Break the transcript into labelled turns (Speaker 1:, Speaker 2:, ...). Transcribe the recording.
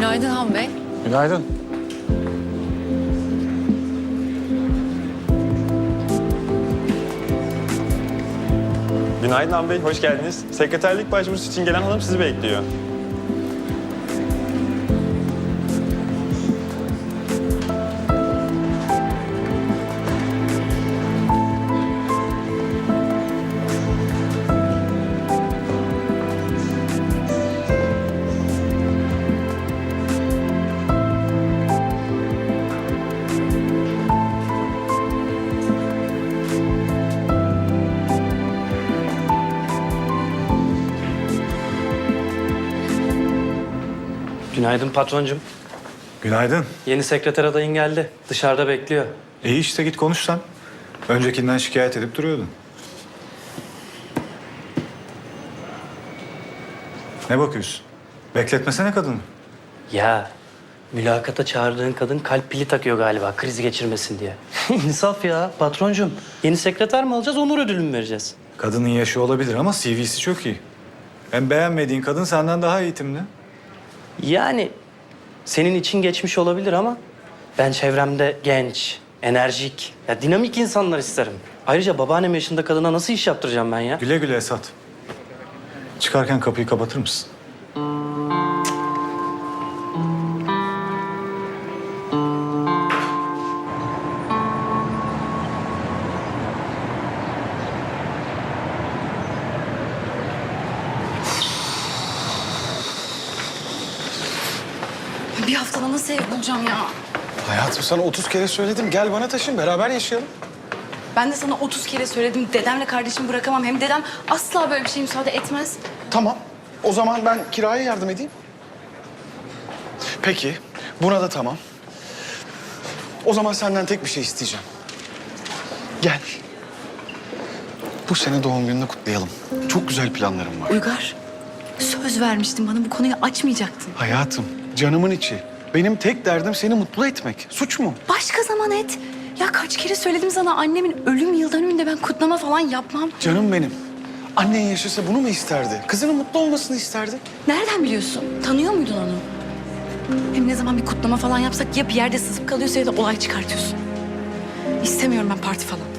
Speaker 1: Günaydın Han Bey.
Speaker 2: Günaydın.
Speaker 3: Günaydın Han Bey, hoş geldiniz. Sekreterlik başvurusu için gelen hanım sizi bekliyor.
Speaker 4: Günaydın patroncum.
Speaker 2: Günaydın.
Speaker 4: Yeni sekreter adayın geldi. Dışarıda bekliyor.
Speaker 2: İyi işte git konuş sen. Öncekinden şikayet edip duruyordun. Ne bakıyorsun? Bekletmesene kadını.
Speaker 4: Ya mülakata çağırdığın kadın kalp pili takıyor galiba kriz geçirmesin diye. İnsaf ya patroncum. Yeni sekreter mi alacağız, onur ödülü mü vereceğiz?
Speaker 2: Kadının yaşı olabilir ama CV'si çok iyi. Hem beğenmediğin kadın senden daha eğitimli.
Speaker 4: Yani senin için geçmiş olabilir ama ben çevremde genç, enerjik, ya dinamik insanlar isterim. Ayrıca babaannem yaşında kadına nasıl iş yaptıracağım ben ya?
Speaker 2: Güle güle Esat. Çıkarken kapıyı kapatır mısın?
Speaker 1: Bir haftada nasıl ev bulacağım ya?
Speaker 5: Hayatım sana 30 kere söyledim. Gel bana taşın, beraber yaşayalım.
Speaker 1: Ben de sana 30 kere söyledim. Dedemle kardeşimi bırakamam. Hem dedem asla böyle bir şeye müsaade etmez.
Speaker 5: Tamam. O zaman ben kiraya yardım edeyim. Peki. Buna da tamam. O zaman senden tek bir şey isteyeceğim. Gel. Bu sene doğum gününü kutlayalım. Çok güzel planlarım var.
Speaker 1: Uygar, söz vermiştin bana bu konuyu açmayacaktın.
Speaker 5: Hayatım, canımın içi. Benim tek derdim seni mutlu etmek. Suç mu?
Speaker 1: Başka zaman et. Ya kaç kere söyledim sana annemin ölüm yıl dönümünde ben kutlama falan yapmam.
Speaker 5: Canım benim. Annen yaşasa bunu mu isterdi? Kızının mutlu olmasını isterdi.
Speaker 1: Nereden biliyorsun? Tanıyor muydun onu? Hem ne zaman bir kutlama falan yapsak ya bir yerde sızıp kalıyorsa ya da olay çıkartıyorsun. İstemiyorum ben parti falan.